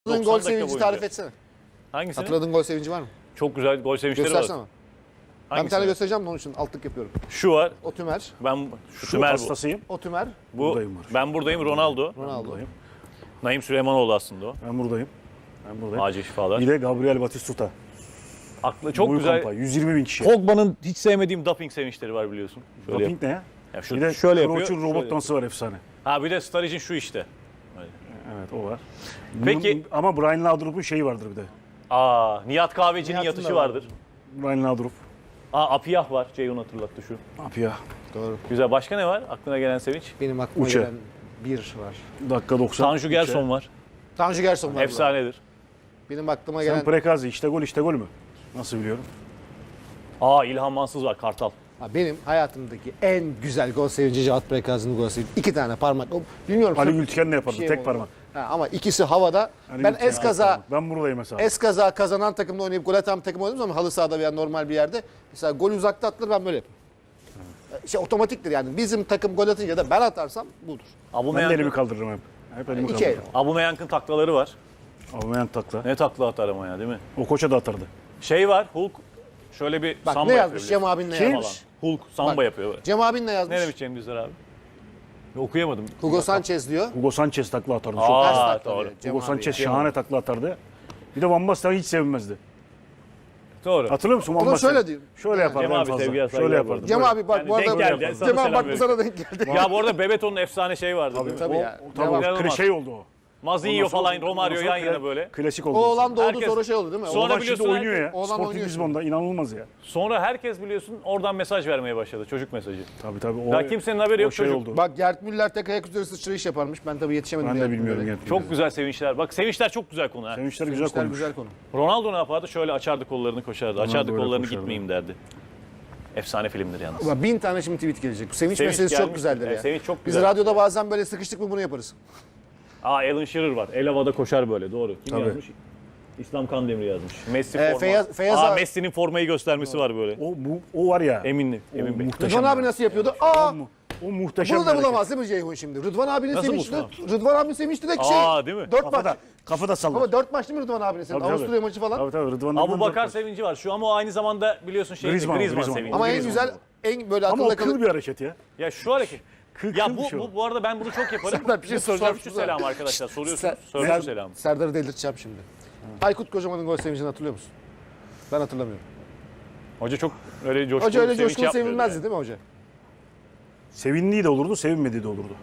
Hatırladığın 90 gol dakika sevinci boyunca. tarif etsene. Hangisini? Hatırladığın gol sevinci var mı? Çok güzel gol sevinçleri Göstersene. var. Ben bir Hangisini? tane göstereceğim de onun için altlık yapıyorum. Şu var. O Tümer. Ben Şu Tümer bu. hastasıyım. O Tümer. Bu Buradayım var. ben buradayım Ronaldo. Ronaldo. Buradayım. Naim Süleymanoğlu aslında o. Ben buradayım. Ben buradayım. Acil şifalar. Bir de Gabriel Batistuta. Aklı çok Boyu güzel. kampanya, 120 bin kişi. Pogba'nın hiç sevmediğim doping sevinçleri var biliyorsun. Şöyle Doping ne ya? Ya şu, Bir de şöyle yapıyor. Kroos'un robot şöyle dansı var efsane. Ha bir de Sturridge'in şu işte. Evet o var. Peki- Ama Brian Laudrup'un şeyi vardır bir de. Aa Nihat Kahveci'nin Nihat'ın yatışı da var. vardır. Brian Laudrup. Aa Apiyah var. Ceyhun hatırlattı şu. Ne yapıyor? Doğru. Güzel. Başka ne var? Aklına gelen sevinç. Benim aklıma Uçe. gelen bir var. Dakika 90. Tanju Gerson var. Tanju Gerson var. burada. Efsanedir. Benim aklıma Sen gelen... Prekazi işte gol mü? Nasıl biliyorum? Aa İlhan Mansız var. Kartal. Ha, benim hayatımdaki en güzel gol sevinci Cihat Prekazi'nin gol sevinci. İki tane parmak. Bilmiyorum. Ali sırf Gültiken ne yapardı? bir şey tek mi parmak. Ha, ama ikisi havada. Ali Ben Gültiken eskaza tek parmak. Ben buradayım mesela. kazanan takımda oynayıp gol atan takım oynadığım zaman halı sahada veya normal bir yerde mesela gol uzakta atılır ben böyle yapayım. Şey otomatiktir yani. Bizim takım gol atınca da ben atarsam budur. Ben de elimi kaldırırım hep. Hep elimi İki el. kaldırırım. Abumeyank'ın taklaları var. Almayan takla. Ne takla atar ama ya değil mi? O koça da atardı. Şey var Hulk. Şöyle bir Bak samba ne yapıyor yazmış Cem abin ne biliyorsun. yazmış. Hulk samba Bak. yapıyor. Cem abin ne yazmış? Ne demiş Cem Düzdar abi? Okuyamadım. Hugo Sanchez diyor. Hugo Sanchez takla atardı. Çok. Aa, Ters takla doğru. diyor Cem Hugo abi. Sanchez Cem şahane abi. takla atardı. Bir de Van Basten hiç sevinmezdi. Doğru. Hatırlıyor musun Van Onu Basten? şöyle diyeyim. Şöyle yapardı Cem en abi fazla. sevgiler, Şöyle saygılar yapardı. bu Cem Böyle. abi bak Yani bu denk arada geldi, sana Cem abi selam bak bu veriyorum. sana denk geldi. Ya bu arada Bebeto'nun efsane şeyi vardı. değil mi? Tabii O, ya. tabii Devam. o Devam. şey oldu o. Mazinho Ondan sonra- falan Romario ondan yan sonra yana böyle. Klasik oldu. O olan doğdu Herkes- sonra şey oldu değil mi? Sonra Oğlan biliyorsun şimdi oynuyor ya. Oğlan Sporting oynuyor Lisbon'da inanılmaz ya. Sonra herkes biliyorsun oradan mesaj vermeye başladı. Çocuk mesajı. Tabii. Ya kimsenin haberi o yok, şey çocuk. oldu. Bak Gert Müller tek ayak üzeri sıçrayış yaparmış. Ben tabii yetişemedim. Ben de Gert bilmiyorum. Müller'e. Gerçekten. Çok güzel sevinçler. Bak sevinçler çok güzel konu ha. Sevinçler güzel Sevinçler konmuş. güzel konu. Ronaldo ne yapardı? Şöyle açardı kollarını koşardı. Açardı böyle kollarını koşardı. gitmeyeyim derdi. Efsane filmdir yalnız. Ulan 1000 tane şimdi tweet gelecek. Bu sevinç Sevinç meselesi gelmiş. çok güzeldir Evet, ya. sevinç çok Biz güzel. radyoda bazen böyle sıkıştık mı bunu yaparız. Aa Alan Shearer var. El havada koşar böyle. Doğru. Kim Tabii. yazmış? İslam Kandemir yazmış. Messi forma. Feyyaz Aa abi- Messi'nin formayı göstermesi var böyle. O var ya. Emin Bey. muhteşem. Rıdvan abi nasıl yapıyordu? Aa! O muhteşem. Bunu bir da hareket. bulamaz değil mi Ceyhun şimdi? Rıdvan abinin Nasıl sevinçli. bulsun Rıdvan abinin sevinçli de şey. Aa değil mi? 4 maç. Kafada sallar. Ama 4 maç değil mi Rıdvan abinin sevinçli? Tabii, tabii. Avusturya maçı falan. Tabii Rıdvan. Abu Bakar sevinci var. Şu ama o aynı zamanda biliyorsun Griezmann Griezmann o, sevinci. Ama en Griezmann. güzel, en böyle Ama o akılda kıl kalıp... bir hareket ya. Ya şu hareket. Ya kıl bir şey o. bu arada ben bunu çok yaparım. Serdar, bir şey soracağım Sörfçü şurada. selam arkadaşlar. Soruyorsunuz. Ser- Sörfçü Ser- selam. Serdar'ı delirteceğim şimdi. Aykut Kocaman'ın gol sevincini hatırlıyor musun? Ben hatırlamıyorum. Hoca çok öyle coşkulu Hoca öyle sevinç coşkulu yapmıyordu sevinmezdi yani. değil mi hoca? Sevindiği de olurdu, sevinmediği de olurdu.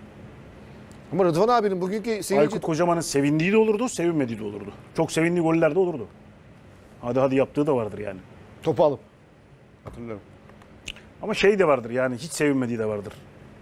Ama Rıdvan abinin bugünkü sevinci... Aykut Kocaman'ın sevindiği de olurdu, sevinmediği de olurdu. Çok sevindiği goller de olurdu. Hadi yaptığı da vardır yani. Topu alıp. Hatırlıyorum. Ama şey de vardır yani hiç sevinmediği de vardır.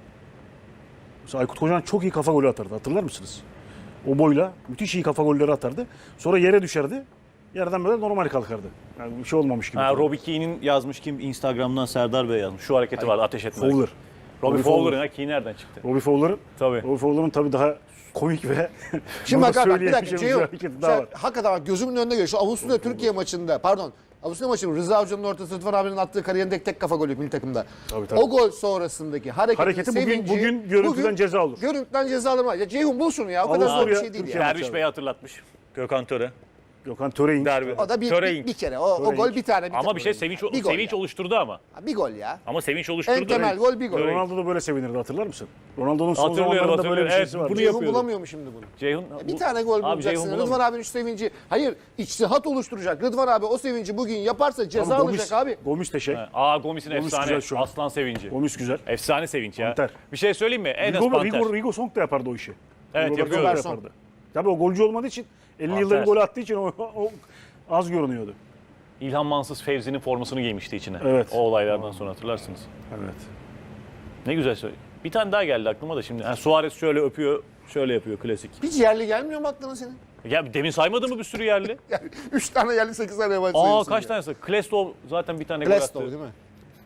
Mesela Aykut Kocaman çok iyi kafa golü atardı. Hatırlar mısınız? O boyla müthiş iyi kafa golleri atardı. Sonra yere düşerdi. Yerden böyle normal kalkardı. Yani bir şey olmamış gibi. Ha, Robbie Keane'in yazmış kim? Instagram'dan Serdar Bey yazmış. Şu hareketi vardı ateş etme. Fowler. Robbie Fowler'ın ha Keane nereden çıktı? Robbie Fowler'ın tabii daha komik ve Şimdi bak bir dakika söyleyemeyeceğimiz Ceyhun. hareketi daha var. Hakikaten bak gözümün önünde geliyor. Şu Avusturya Türkiye maçında Avusturya maçının Rıza Hoca'nın ortası Rıdvan abinin attığı kariyerindeki tek kafa golü milli takımda. Tabii. O gol sonrasındaki Hareketi bugün görüntüden ceza olur. Görüntüden ceza alır. Ya Ceyhun bul şunu ya. O kadar zor bir Avusturya, şey değil Türkiye ya. Derviş Bey'i hatırlatmış. Gökhan Töre. Gökhan Töre'in Derbi. O da Töre'in. bir kere. O gol bir tane. Ama bir şey sevinç Bir gol sevinç ya. oluşturdu ama. Ha, bir gol ya. Ama sevinç oluşturdu. En temel gol bir gol. Töre'in. Ronaldo da böyle sevinirdi hatırlar mısın? Ronaldo'nun son Hatırlıyorum, zamanlarında böyle bir hatırlıyorum. şeysi Evet, vardı. bunu Ceyhun yapıyordu. bulamıyor mu şimdi bunu? Ceyhun Bir tane gol Abi, bulacaksın. Ceyhun Rıdvan bulamıyor. abinin şu sevinci. Hayır, içtihat oluşturacak. Rıdvan abi o sevinci bugün yaparsa ceza alacak abi. Gomis de şey. Aa Gomis'in Gomis efsane güzel şu an. aslan sevinci. Gomis güzel. Efsane sevinç ya. Panter. Bir şey söyleyeyim mi? Enes Panter. Rigo Song da yapardı o işi. Evet, Rigo yapıyor. Song da yapardı. Tabii o golcü olmadığı için 50 yılda Panter. bir gol attığı için o az görünüyordu. İlhan Mansız Fevzi'nin formasını giymişti içine. Evet. O olaylardan sonra hatırlarsınız. Evet. Ne güzel söyle. Bir tane daha geldi aklıma da şimdi. Ha, Suarez şöyle öpüyor, şöyle yapıyor klasik. Hiç yerli gelmiyor mu aklına senin? Ya demin saymadın mı bir sürü yerli? Yani 3 tane yerli 8 tane yabancı Aa sayıyorsun kaç ya. tanesi? Klestov zaten bir tane gol Glestov attı. değil mi?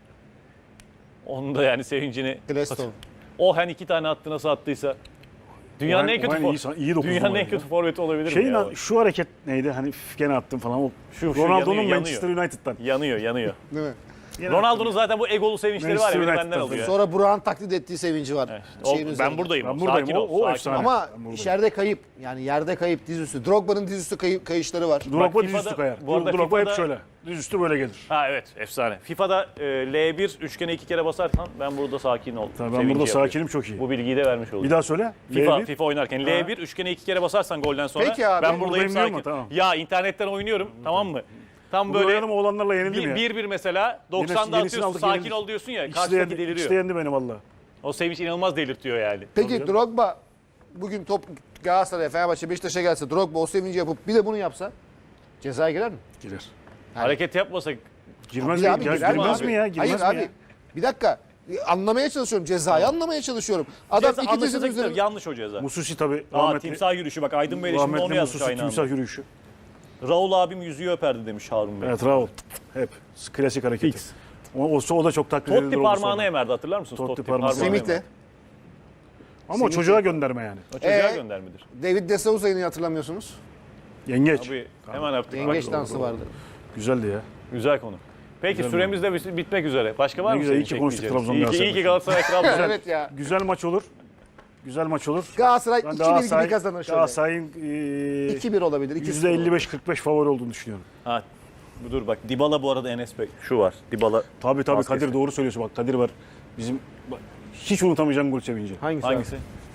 Onun da yani sevincini. Glestov. O hani 2 tane attı nasıl attıysa. Dünyanın en kötü iyi dokuz Dünyanın numara en ya. kötü forveti olabilir mi ya? Şu hareket neydi? Hani gene attım falan. O Şu Ronaldo'nun yanıyor, Manchester United'dan. Yanıyor. Değil mi? Yine Ronaldo'nun zaten bu egolu sevinçleri var ya, beni Manchester benden United'da. alıyor. Sonra Burak'ın taklit ettiği sevinci var. Şeyin üzerinde. Ben buradayım. Ben buradayım. Sakin ol. O sakin efsane. ol. Ama Ben buradayım. içeride kayıp. Yani yerde kayıp dizüstü. Drogba'nın dizüstü kayışları var. Drogba FIFA'da- dizüstü kayar. bu arada Drogba hep FIFA'da- şöyle. Dizüstü böyle gelir. Ha evet, efsane. FIFA'da L1 üçgene 2 kere basarsan ben burada sakin ol. Tabii ben sevinci burada yapıyorum. sakinim, çok iyi. Bu bilgiyi de vermiş oldum. Bir daha söyle. L1. FIFA oynarken L1 üçgene 2 kere basarsan golden sonra Peki abi, ben ben buradayım buradayım diyor sakin. mu? Tamam. Ya internetten oynuyorum, tamam mı? Tam Böyle böyle oynanım oğlanlarla yenildim ya. 1-1 mesela 90'da yenisini atıyorsun, aldık, sakin yenildik. ol diyorsun ya, İkisi de karşıdaki yendi, ikisi de deliriyor. yendi beni valla. O sevinç inanılmaz delirtiyor yani. Peki Drogba bugün top Galatasaray'a, Fenerbahçe, Beşiktaş'a gelse, Drogba o sevinci yapıp bir de bunu yapsa cezaya girer mi? Girer. Hareket yapmasak Girmez Bir mi? abi Ya, girer mi girmez abi? mi ya? Girmez Hayır mi abi. ya? Bir dakika. Anlamaya çalışıyorum. Cezayı anlamaya çalışıyorum. Adam ceza iki dizinin anlaşılacak üzerinde. yanlış o ceza. Mususi tabii. Aa, Rahmetli. timsah yürüyüşü bak, Aydın Bey de şimdi onu Rahmetli yazmış Mususi aynı timsah anda. yürüyüşü. Raul abim yüzüğü öperdi demiş Harun Bey. Evet Raul. Hep. Klasik hareketi. Fix. O da çok taklit edilir Totti oldu parmağını sonra. emerdi, hatırlar mısınız? Totti parmağını. Semih'le. Ama o çocuğa gönderme yani. O çocuğa göndermedir. David De Souza'yı hatırlamıyorsunuz. Yengeç. Abi hemen yaptık. Yengeç Bak, dansı vardı. Güzeldi ya. güzel konu. Peki Güzel süremiz de bitmek üzere. Başka var Ne mı güzel, senin iyi ki konuştuk çekmeyeceğin? Trabzon İyi ki Galatasaray kral. Evet ya. Güzel maç olur. Güzel maç olur. Galatasaray Ben 2-1 gibi kazanır şöyle. Galatasaray'ın 2-1 olabilir. 2-0 olabilir. %55-45 favori olduğunu düşünüyorum. Ha, dur bak, Dybala bu arada, Enes Bey. Şu var, Dybala. Tabii Maskesi. Kadir doğru söylüyorsun, bak Kadir var. Bizim bak, hiç unutamayacağım gol sevinci. Hangisi? Hangisi?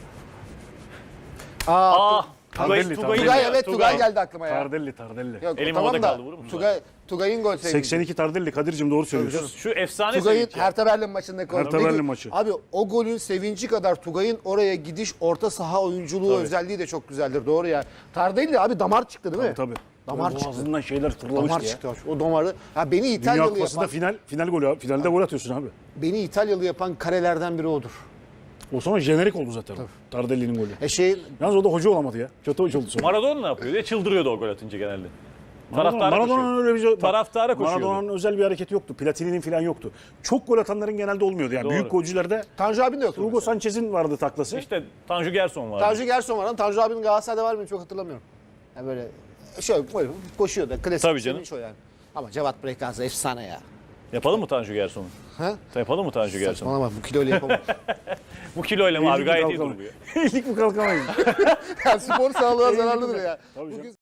Aa, Aa, Tugay, Tardelli, Tugay, Tugay, evet Tugay geldi aklıma ya. Tardelli. Yok, Elim tamam havada da kaldı, vurur musun? Tugay'ın gol sevinci. 82 Tardelli, Kadir'cim doğru söylüyorsun. Şu efsane Tugay'ın sevinç. Hertha Berlin maçındaki gol. Hertha Peki, Berlin maçı. Abi o golün sevinci kadar Tugay'ın oraya gidiş, orta saha oyunculuğu özelliği de çok güzeldir. Doğru ya. Tardelli abi damar çıktı değil mi? Tabii. Damar çıktı. Boğazından şeyler fırlamıştı Damar ya. çıktı. O damarı. Ha beni Dünya İtalyalı Kupası'nda yapan, final golü abi. Finalde gol atıyorsun abi. beni İtalyalı yapan karelerden biri odur. O sonra jenerik oldu zaten. Tardelli'nin golü. Yalnız o da hoca olamadı ya. Kötü hoca oldu sonra. Maradona ne yapıyor diye çıldırıyordu o gol atınca genelde. Taraftara Maradona'nın koşuyor. öyle bir şey. Taraftara koşuyordu. Maradona'nın özel bir hareketi yoktu. Platini'nin falan yoktu. Çok gol atanların genelde olmuyordu. Yani Doğru. büyük golcülerde Tanju abinin de yoktu. Hugo mesela. Sanchez'in vardı taklası. İşte Tanju Gerson vardı. Tanju Gerson var. Tanju abinin Galatasaray'da var mı çok hatırlamıyorum. Yani böyle şöyle böyle koşuyor da klasik Tabii bir canım. sevinç o yani. Ama Cevat Brekazı efsane ya. Yapalım mı Tanju Gerson'u? Ha? Yapalım mı Tanju Gerson'u? Saçmalama bu kiloyla yapamam. Bu kiloyla mı abi, Eğildik mi gayet iyi kalkamayız. duruyor. Eğildik mi kalkamayız. Ya spor sağlığa zararlıdır ya. Tabii canım. Bugün